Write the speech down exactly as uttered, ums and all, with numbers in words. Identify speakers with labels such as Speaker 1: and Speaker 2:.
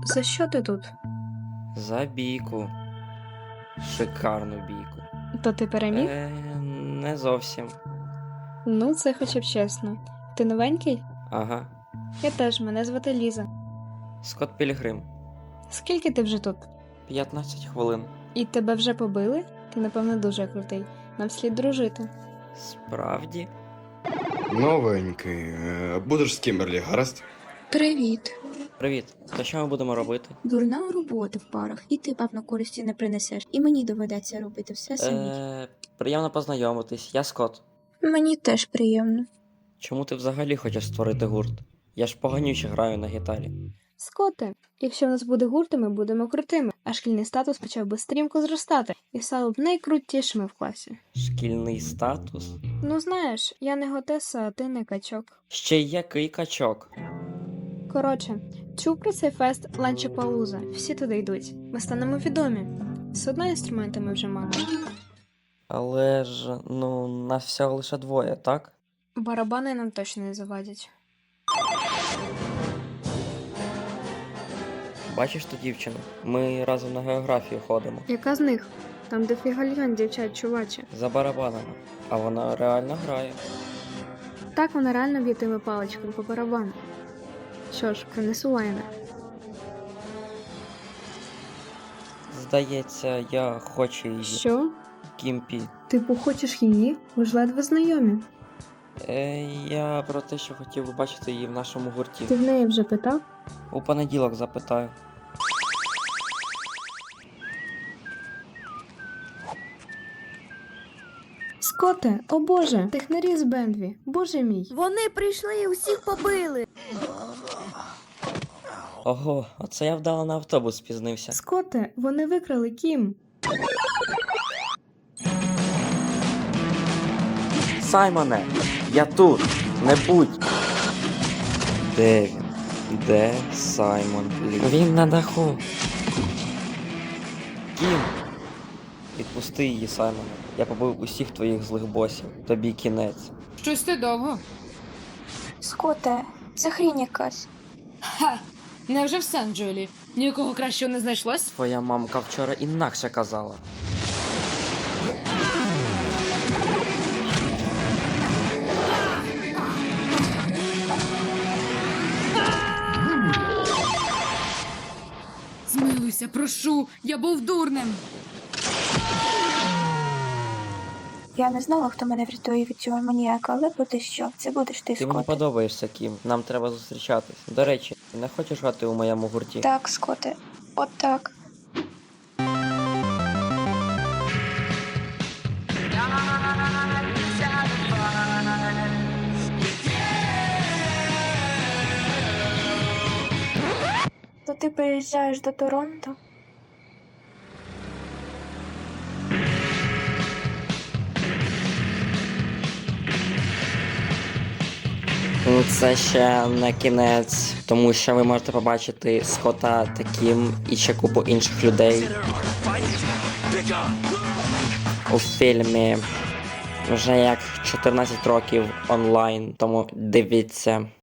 Speaker 1: За що ти тут?
Speaker 2: За бійку. Шикарну бійку.
Speaker 1: То ти переміг?
Speaker 2: Е, не зовсім.
Speaker 1: Ну, це хоча б чесно. Ти новенький?
Speaker 2: Ага.
Speaker 1: Я теж, мене звати Ліза.
Speaker 2: Скот Пілігрим.
Speaker 1: Скільки ти вже тут?
Speaker 2: п'ятнадцять хвилин.
Speaker 1: І тебе вже побили? Ти, напевно, дуже крутий. Нам слід дружити.
Speaker 2: Справді?
Speaker 3: Новенький. Е, Будеш з Кімберлі, гаразд?
Speaker 4: Привіт.
Speaker 2: Привіт. То що ми будемо робити?
Speaker 4: Дурна робота в парах, і ти, певно, користі не принесеш. І мені доведеться робити все самі.
Speaker 2: Е, приємно познайомитись. Я Скот.
Speaker 4: Мені теж приємно.
Speaker 2: Чому ти взагалі хочеш створити гурт? Я ж поганюче граю на гітарі.
Speaker 1: Скоте, якщо в нас буде гурт, то ми будемо крутими, а шкільний статус почав би стрімко зростати і стало б найкрутішими в класі.
Speaker 2: Шкільний статус?
Speaker 1: Ну знаєш, я не готеса, а ти не качок.
Speaker 2: Ще й який качок?
Speaker 1: Коротше, чув про цей фест Ланчепалуза, всі туди йдуть. Ми станемо відомі. З одного інструмента ми вже маємо.
Speaker 2: Але ж, ну, нас всього лише двоє, так?
Speaker 1: Барабани нам точно не завадять.
Speaker 2: Бачиш ту дівчину? Ми разом на географію ходимо.
Speaker 1: Яка з них? Там де фігальян, дівчат, чувачі.
Speaker 2: За барабанами. А вона реально грає.
Speaker 1: Так вона реально б'єтиме паличкою по барабану. Що ж, принесу лайнер.
Speaker 2: Здається, я хочу її.
Speaker 1: Що?
Speaker 2: Кімпі.
Speaker 1: Типу, хочеш її? Ви ж ледве знайомі.
Speaker 2: Е, я про те, що хотів би бачити її в нашому гурті.
Speaker 1: Ти в неї вже питав?
Speaker 2: У понеділок запитаю.
Speaker 1: Скоте, о боже, технарі з Бендві, боже мій.
Speaker 5: Вони прийшли і усіх побили.
Speaker 2: Ого, оце я вдало на автобус спізнився.
Speaker 1: Скоте, вони викрали Кім.
Speaker 2: Саймоне, я тут, не будь. Де він? Де Саймон Лі? Він на даху. Кім! Відпусти її, Саймоне. Я побив усіх твоїх злих босів. Тобі кінець.
Speaker 6: Щось ти довго.
Speaker 4: Скоте, це хрінь якась.
Speaker 6: Ха! Невже в Сан-Джолі? Нікого кращого не знайшлось?
Speaker 2: Твоя мамка вчора інакше казала.
Speaker 6: Змилуйся, прошу, я був дурним.
Speaker 4: Я не знала, хто мене врятує від цього маніяка, але поти що, це будеш ти,
Speaker 2: Ти мені
Speaker 4: Скоте.
Speaker 2: подобаєшся, Кім. Нам треба зустрічатись. До речі, не хочеш грати у моєму гурті?
Speaker 4: Так, Скоте, от так. То ти приїжджаєш до Торонто?
Speaker 2: Це ще не кінець, тому що ви можете побачити Скота таким і ще купу інших людей у фільмі вже як чотирнадцять років онлайн, тому дивіться.